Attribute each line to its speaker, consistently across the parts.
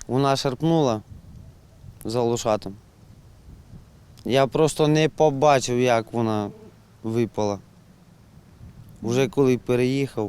Speaker 1: Вона шарпнула за лошатом. Я просто не побачив, як вона випала. Вже коли переїхав,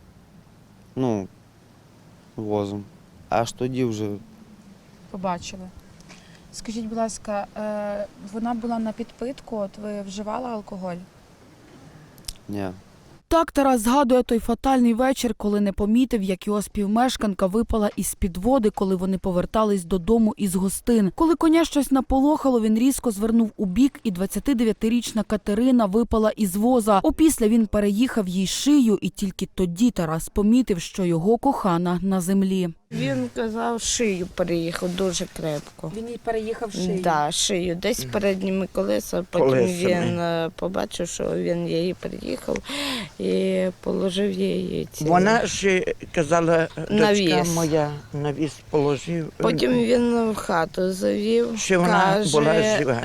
Speaker 1: возом, аж тоді вже.
Speaker 2: Побачили. Скажіть, будь ласка, вона була на підпитку, от ви вживали алкоголь?
Speaker 1: Ні.
Speaker 3: Так Тарас згадує той фатальний вечір, коли не помітив, як його співмешканка випала із-під води, коли вони повертались додому із гостин. Коли коня щось наполохало, він різко звернув у бік, і 29-річна Катерина випала із воза. Опісля він переїхав їй шию, і тільки тоді Тарас помітив, що його кохана на землі.
Speaker 4: Він казав, шию переїхав дуже крепко.
Speaker 2: Він їй переїхав шию?
Speaker 4: Так, шию, десь передніми колеса. Потім він побачив, що він її переїхав і положив її.
Speaker 5: Вона ж казала, дочка
Speaker 4: Навіс.
Speaker 5: моя, навіс положив.
Speaker 4: Потім він в хату завів,
Speaker 5: Ще вона була жива.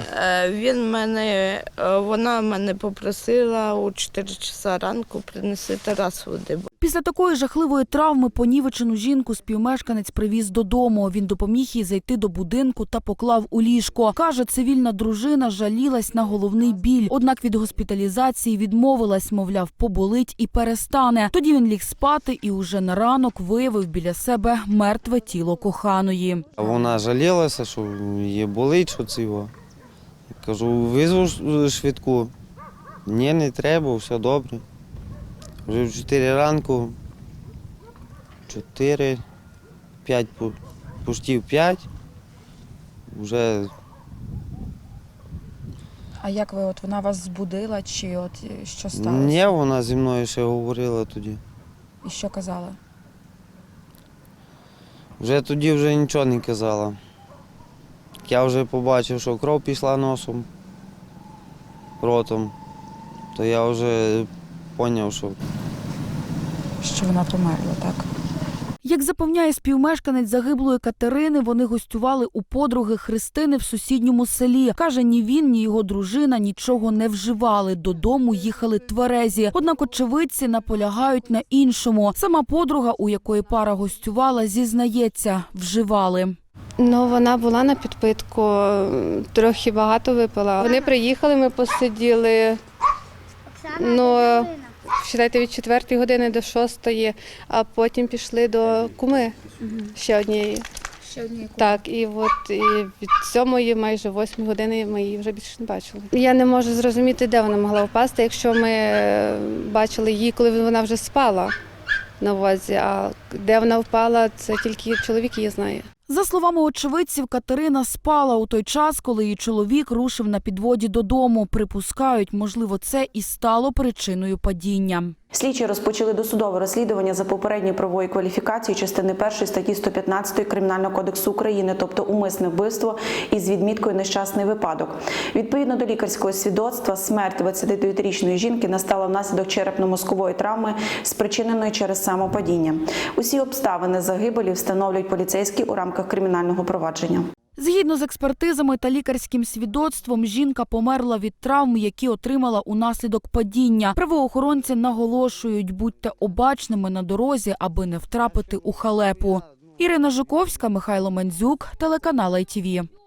Speaker 4: Вона мене попросила у 4 часа ранку принеси Тарас води.
Speaker 3: Після такої жахливої травми понівечену жінку співмешканець привіз додому. Він допоміг їй зайти до будинку та поклав у ліжко. Каже, цивільна дружина жалілась на головний біль. Однак від госпіталізації відмовилась, мовляв, поболить і перестане. Тоді він ліг спати і уже на ранок виявив біля себе мертве тіло коханої.
Speaker 1: Вона жалілася, що їй болить, що це його. Кажу, визву швидку. Ні, не треба, все добре. Вже в 4 ранку, 4, 5, пуштів 5, вже.
Speaker 2: А як ви, вона вас збудила, чи що сталося?
Speaker 1: Ні, вона зі мною ще говорила тоді.
Speaker 2: І що казала?
Speaker 1: Вже тоді нічого не казала. Я вже побачив, що кров пішла носом, ротом, то я вже зрозумів,
Speaker 2: Що вона померла, так?
Speaker 3: Як запевняє співмешканець загиблої Катерини, вони гостювали у подруги Христини в сусідньому селі. Каже, ні він, ні його дружина нічого не вживали. Додому їхали тверезі. Однак очевидці наполягають на іншому. Сама подруга, у якої пара гостювала, зізнається, вживали.
Speaker 6: Вона була на підпитку, трохи багато випила. Вони приїхали, ми посиділи, вважайте, від 4 години до 6, а потім пішли до куми ще однієї. Так, і від 7 майже 8 години ми її вже більше не бачили. Я не можу зрозуміти, де вона могла впасти, якщо ми бачили її, коли вона вже спала на возі, а де вона впала, це тільки чоловік її знає.
Speaker 3: За словами очевидців, Катерина спала у той час, коли її чоловік рушив на підводі додому. Припускають, можливо, це і стало причиною падіння.
Speaker 7: Слідчі розпочали досудове розслідування за попередньою правовою кваліфікацією частини 1 статті 115 Кримінального кодексу України, тобто умисне вбивство із відміткою нещасний випадок. Відповідно до лікарського свідоцтва, смерть 29-річної жінки настала внаслідок черепно-мозкової травми, спричиненої через самопадіння. Усі обставини загибелі встановлюють поліцейські у рамках кримінального провадження.
Speaker 3: Згідно з експертизами та лікарським свідоцтвом, жінка померла від травм, які отримала унаслідок падіння. Правоохоронці наголошують, будьте обачними на дорозі, аби не втрапити у халепу. Ірина Жуковська, Михайло Мандзюк, телеканал ITV.